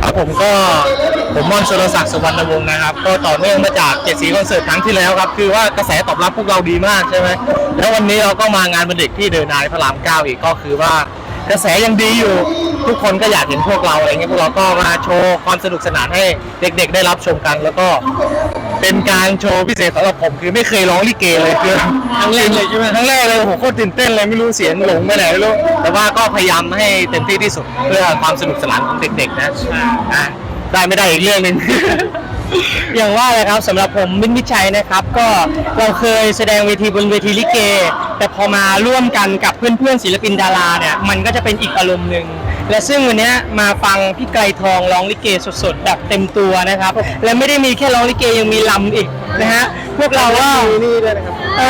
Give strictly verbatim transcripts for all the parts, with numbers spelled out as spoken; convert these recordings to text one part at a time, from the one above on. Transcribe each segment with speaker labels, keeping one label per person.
Speaker 1: ครับผมก็ผมมอนสุรศักดิ์สุวรรณวงศ์นะครับก็ต่อเนื่องมาจากเจ็ดสีคอนเสิร์ตครั้งที่แล้วครับคือว่ากระแสตอบรับพวกเราดีมากใช่ไหมแล้ววันนี้เราก็มางานวันเด็กที่เดินนายพระรามเก้าอีกก็คือว่ากระแสยังดีอยู่ทุกคนก็อยากเห็นพวกเราอะไรเงี้ยพวกเราก็มาโชว์ความสนุกสนานให้เด็กๆได้รับชมกันแล้วก็เป็นการโชว์พิเศษสำหรับผมคือไม่เคยร้องลิเกเลยคือครั้งแรกเลยใช่ไหมครั้งแรกเลยผมโคตรตื่นเต้นเลยไม่รู้เสียงหลงไปไหนไม่รู้แต่ว่าก็พยายามให้เต็มที่ที่สุดเพื่อความสนุกสนานของเด็กๆนะอ่าได้ไม่ได้อีกเรื่องหนึ่ง
Speaker 2: อย่างว่าเลยครับสำหรับผมมินมิชัยนะครับก็เราเคยแสดงเวทีบนเวทีลิเกแต่พอมาร่วมกันกับเพื่อนๆศิลปินดาราเนี่ยมันก็จะเป็นอีกอารมณ์หนึ่งและซึ่งวันนี้มาฟังพี่ไกรทองร้องลิเกสดๆแบบเต็มตัวนะครับและไม่ได้มีแค่ร้องลิเกยังมีลำอีกนะฮะพวกเราก็นี่ด้วยนะครับเอ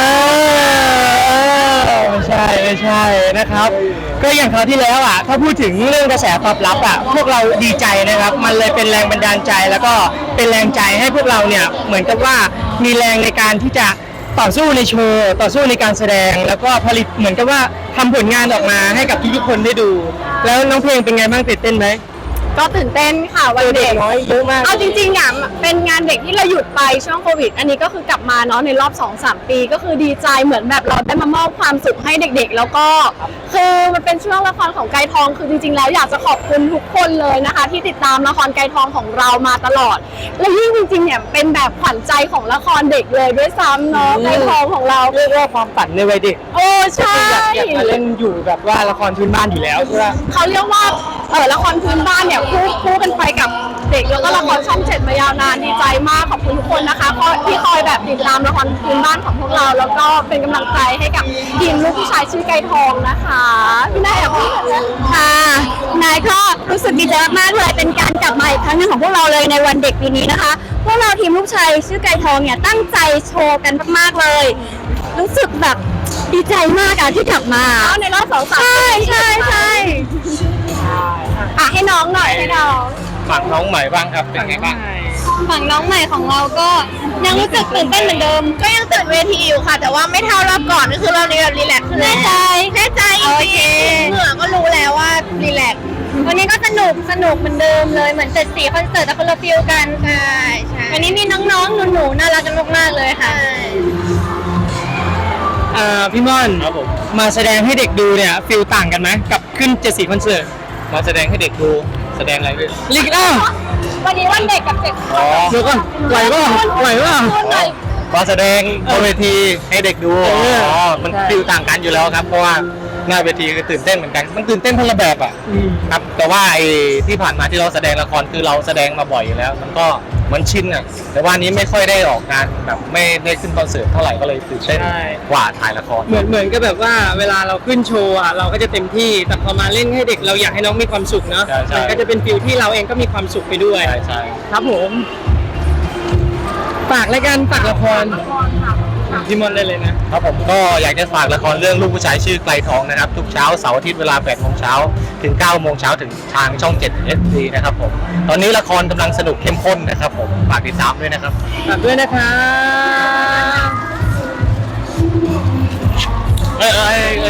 Speaker 2: อไม่ใช่ไม่ใช่นะครับก็อย่างคราวที่แล้วอ่ะถ้าพูดถึงเรื่องกระแสตอบรับอ่ะพวกเราดีใจนะครับมันเลยเป็นแรงบันดาลใจแล้วก็เป็นแรงใจให้พวกเราเนี่ยเหมือนกับว่ามีแรงในการที่จะต่อสู้ในโชว์ต่อสู้ในการแสดงแล้วก็ผลิตเหมือนกับว่าทำผลงานออกมาให้กับทุกๆคนได้ดู แล้วน้องเพลงเป็นไงบ้างตื่นเต้นไหม
Speaker 3: ก็ตื่นเต้นค่ะวันเด็ก
Speaker 2: น้อยเยอะมาก
Speaker 3: เอาจริงๆอ่ะเป็นงานเด็กที่เราหยุดไปช่วงโควิดอันนี้ก็คือกลับมาเนาะในรอบ สองสาม ปีก็คือดีใจเหมือนแบบเราได้มามอบความสุขให้เด็กๆ แล้วก็คือมันเป็นช่วงละครของไกรทองคือจริงๆแล้วอยากจะขอบคุณทุกคนเลยนะคะที่ติดตามละครไกรทองของเรามาตลอดและยิ่งจริงๆเนี่ยเป็นแบบขวัญใจของละครเด็กเลยด้วยซ้ำเนาะไกรทองของเรา
Speaker 2: เรียกว่าความฝันในวัยเด็ก
Speaker 3: โอ้ใช่
Speaker 2: อยากอยากมาเล่นอยู่แบบว่าละครพื้นบ้านอยู่แล้วใช่ไหม
Speaker 3: เขาเรียกว่าเออละครพื้นบ้านเนี่ยคู่คู่กันไปกับเด็กแล้วก็ละครช่องเจ็ดมายาวนานดีใจมากขอบคุณทุกคนนะคะเพราะที่คอยแบบติดตามละครพื้นบ้านของพวกเราแล้วก็เป็นกำลังใจให้กับทีมลูกผู้ชายชื่อไก่ทองนะคะพี่นายแอบพูดเลยค่ะนายก็รู้สึกดีใจมากๆเลยเป็นการกลับมาอีกครั้งหนึ่งของพวกเราเลยในวันเด็กปีนี้นะคะพวกเราทีมลูกชายชื่อไก่ทองเนี่ยตั้งใจโชว์กันมากๆเลยรู้สึกแบบดีใจมากอะที่กลับมาในรอบสองสามใช่ใช่ใช่อ่ะให้น้องหน่อยให้น้อง
Speaker 1: ฝั่งน้องใหม่บ้างครับเป็นไงบ้าง
Speaker 3: ฝั่งน้องใหม่ของเราก็ยังรู้สึกตื่นเต้นเหมือนเดิมก็ยังตื่นเวทีอยู่ค่ะแต่ว่าไม่เท่ารอบก่อนก็คือเราเรียนรีแลกซ์ขึ้นแน่ใจแน่ใจจริงเหงื่อก็รู้แล้วว่ารีแลกซ์วันนี้ก็สนุกสนุกเหมือนเดิมเลยเหมือนเจ็ดสีคอนเสิร์ตแต่คนละฟิลกันใช่ใช่วันนี้มีน้องๆหนูๆน่ารักกันมากๆเลยค่ะ
Speaker 2: อ่าพี่ม่อน
Speaker 1: ครับผม
Speaker 2: มาแสดงให้เด็กดูเนี่ยฟิลต่างกันไหมกับขึ้นเจ็ดสีคอนเสิร์ต
Speaker 1: มาแสดงให้เด็กดูแสดงอะไรด้วย
Speaker 2: ลิกอ้าว
Speaker 3: วันนี้วันเด็กกับเด็ก
Speaker 1: อ๋อ
Speaker 2: เดี๋ยวก่อนไหวป่ะไหวป่ะ
Speaker 1: มาแสดงบนเวทีให้เด็กดู
Speaker 2: เอ
Speaker 1: อ๋
Speaker 2: อ
Speaker 1: อมันฟิลต่างกันอยู่แล้วครับเพราะว่าหน้าเวทีคือตื่นเต้นเหมือนกันมันตื่นเต้นคนละแบบอ่ะ
Speaker 2: อืม
Speaker 1: ครับแต่ว่าไอ้ที่ผ่านมาที่เราแสดงละครคือเราแสดงมาบ่อยอยู่แล้ว มันก็เหมือนชินอ่ะแต่ว่านี้ไม่ค่อยได้ออกงานแบบไม่ได้ขึ้นคอนเสิร์ตเท่าไหร่ก็เลยตื่นเต้นกว่าถ่ายละคร
Speaker 2: เหมือนเหมือนก็แบบว่าเวลาเราขึ้นโชว์อ่ะเราก็จะเต็มที่แต่พอมาเล่นให้เด็กเราอยากให้น้องมีความสุขเนาะ
Speaker 1: ใช่ใช่
Speaker 2: มันก็จะเป็นฟิลที่เราเองก็มีความสุขไปด้วย
Speaker 1: ใช่ใช่
Speaker 2: ครับผมฝากรายการฝากละครพี่มอนได้เลยนะครับ
Speaker 1: ผมก็อยากจะฝากละครเรื่องลูกผู้ชายชื่อไกลทองนะครับทุกเช้าเสาร์อาทิตย์เวลาแปดโมงเช้าถึงเก้าโมงเช้าถึงทางช่องเจ็ด เอส ดี นะครับผมตอนนี้ละครกำลังสนุกเข้มข้นนะครับผมฝากติดตามด้วยนะครับ
Speaker 2: ฝากด้วยนะครับ
Speaker 1: เอ้ยเอ้ยเอ้ย